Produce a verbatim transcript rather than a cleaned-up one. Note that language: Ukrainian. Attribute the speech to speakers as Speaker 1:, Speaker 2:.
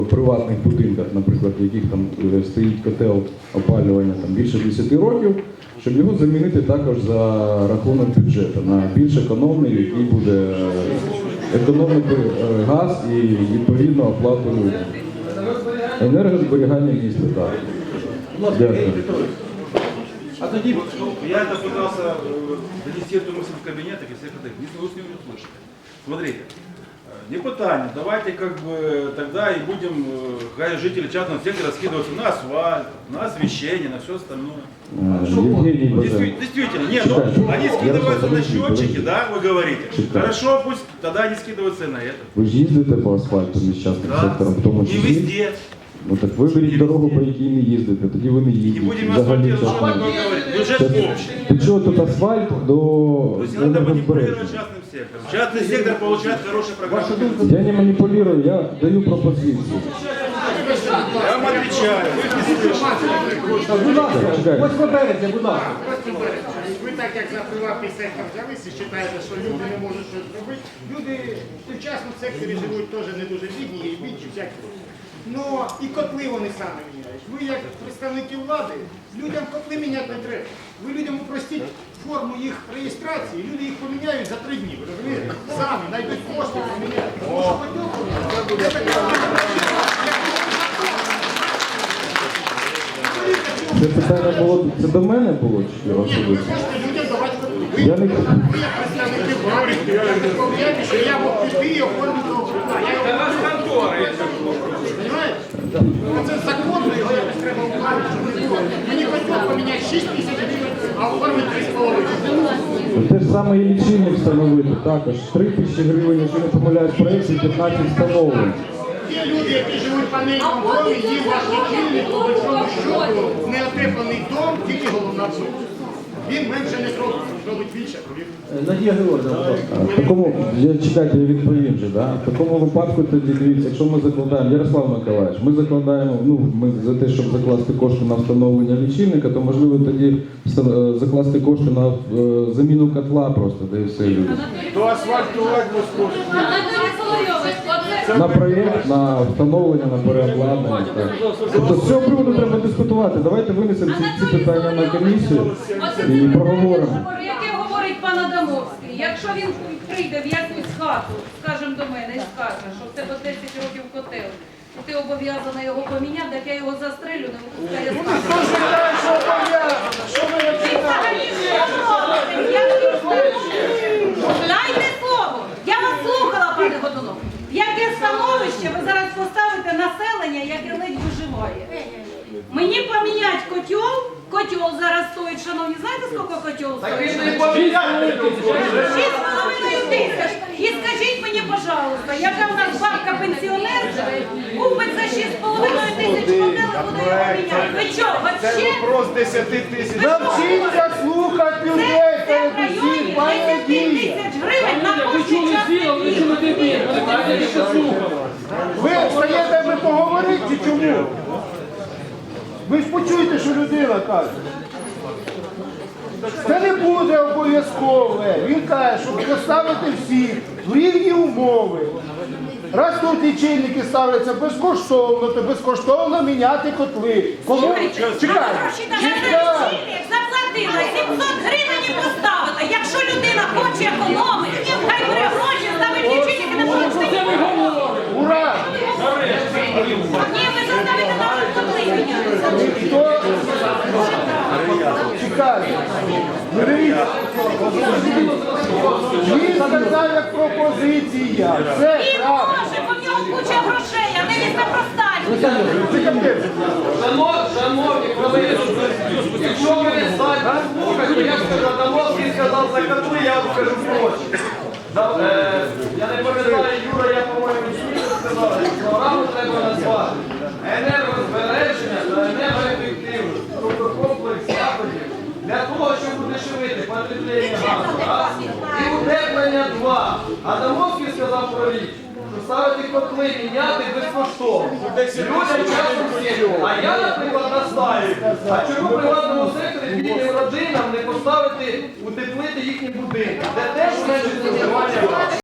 Speaker 1: В приватних будинках, наприклад, в яких там стоїть котел опалювання там, більше десяти років, щоб його замінити також за рахунок бюджету на більш економний, який буде економити газ і відповідно оплату людям. Енергозберігання міста, так. Дякую.
Speaker 2: А тоді я это пытался донести эту мысль в кабинетах и всех этих, если вы с ними услышите. Смотрите, не пытание, давайте как бы тогда и будем, э, жители частного сектора, скидываться на асфальт, на освещение, на все остальное. Действительно, действительно, нет, ну, они скидываются на счетчики, да, вы говорите. Хорошо, пусть тогда они скидываются и на это.
Speaker 1: Ви ж їздите по асфальту між частним сектором, в тому
Speaker 2: Не
Speaker 1: числі?
Speaker 2: везде.
Speaker 1: Ну так виберіть дорогу, по якій не їздите, тоді ви не
Speaker 2: Не
Speaker 1: їздите.
Speaker 2: будем
Speaker 1: Взагалі,
Speaker 2: асфальтировать, что
Speaker 1: чесно.
Speaker 2: такое говорить. Бюджет общий.
Speaker 1: До чого тут асфальт до
Speaker 2: То есть не надо манипулировать
Speaker 1: енергозбереження?
Speaker 2: частным сектором. Частный сектор получает хорошие программы.
Speaker 1: Я не маніпулюю, я даю пропозицію.
Speaker 2: Я вам отвечаю, вы их не слышите.
Speaker 1: Будь ласка,
Speaker 3: Ось виберете, будь ласка.
Speaker 4: Ви так як за приватний сектор взялися, вважаєте, що люди не можуть щось зробити. Люди в частному секторі живуть теж не дуже бідні, і бідні всякі. Ну і котли вони самі міняють. Ви як представники влади, людям котли міняти не треба. Ви людям упростіть форму їх реєстрації, люди їх поміняють за три дні. Ви розумієте? Самі знайдуть кошти, поміняють. Тому що поділку, це таке.
Speaker 1: це питання було, це до мене було чи
Speaker 4: Ні, ви
Speaker 1: особисто?
Speaker 4: хочете людям давати котли. Ви
Speaker 1: Я не
Speaker 4: як представники влади, ви пов'язані, що я мог піти і оформити округа. Це вас контора, якщо розумієте? Це законно, його якось треба укладати, щоб не було. Мені хотіло поміняти шість тисяч гривень, а оформити три з половиною.
Speaker 1: Те ж саме і лічильник встановити також. три тисячі гривень, якщо не помиляюсь, проєкт і п'ятнадцять встановлень.
Speaker 4: Ті люди, які живуть в панельному домі, їм ваш лічильник, по большому счету, неотеплений дом, тільки головна сума. Він менше не зробить, зробить більше, повірте.
Speaker 3: Надія Георгіївна, будь ласка.
Speaker 1: В такому, я чекайте, я відповім же, да? В такому випадку тоді дивіться, якщо ми закладаємо, Ярослав Миколаївич, ми закладаємо, ну, ми за те, щоб закласти кошти на встановлення лічильника, то можливо тоді вста- закласти кошти на е, заміну котла просто, де і все люди.
Speaker 2: То асфальтувати безкоштовно.
Speaker 1: На проєкт, на встановлення, на переобладнання. Так. Тобто з цього приводу треба дискутувати. Давайте винесемо ці, ці питання на комісію і проговоримо.
Speaker 5: Про яке говорить пан Адамовський? Якщо він прийде в якусь хату, скажімо, до мене і скаже, що в тебе десять років котел, і ти обов'язана його поміняти, так я його застрелю, не випускає з хати. Дайте слово! Я вас слухала, пане Годунов. Яке становище ви зараз поставите населення, яке ледь виживає? Мені поміняти котел, котел зараз стоїть, шановні, знаєте, скільки котел стоїть? Шість з половиною тисяч. І скажіть мені, пожалуйста, яка в нас бабка пенсіонерка купить за шість з половиною тисяч котел і буде його міняти? Ви що, вообще?
Speaker 2: Вопрос десяти тисяч.
Speaker 4: Навчіться слухати
Speaker 5: Це,
Speaker 4: людей,
Speaker 5: це в районі десять тисяч гривень на кожний час.
Speaker 4: Ви встаєте, ви поговорити чи чому? Ви ж почуєте, що людина каже. Це не буде обов'язкове. Він каже, щоб поставити всіх в рівні умови. Раз тут лічильники ставляться безкоштовно, то безкоштовно міняти котли. Кому?
Speaker 5: Слухайте,
Speaker 4: Чекай.
Speaker 5: гроші на лічильник заплатила, сімсот гривень і поставила. Якщо людина хоче економити, хай бере гроші, ставить лічильник і не платить.
Speaker 4: Ура!
Speaker 5: Ні, ви заставите нам котли міняти.
Speaker 4: Хто? Чекай. Ну, дивіться. Він сказав як пропозиція. Це
Speaker 5: Він
Speaker 4: правда.
Speaker 5: може, бо в нього куча грошей, а не він простать.
Speaker 6: Шановні колеги, якщо ви не знаєте, слухайте, я скажу, Адамовський сказав за котли, я вам скажу гроші. Я не пам'ятаю, Юра, я, по-моєму, дійсно сказав, що програму треба назвати енергозбереження та енергоефективність, тобто комплекс заходів для того, щоб удешевити потреблення газу. І утеплення два. Адамовський сказав про річ, що ставити котли, міняти безкоштовно. Людям часом всі. А я, наприклад, настаю, а чому в приватному секторі бідним родинам не поставити, утеплити їхні будинки, де теж менше споживання газу.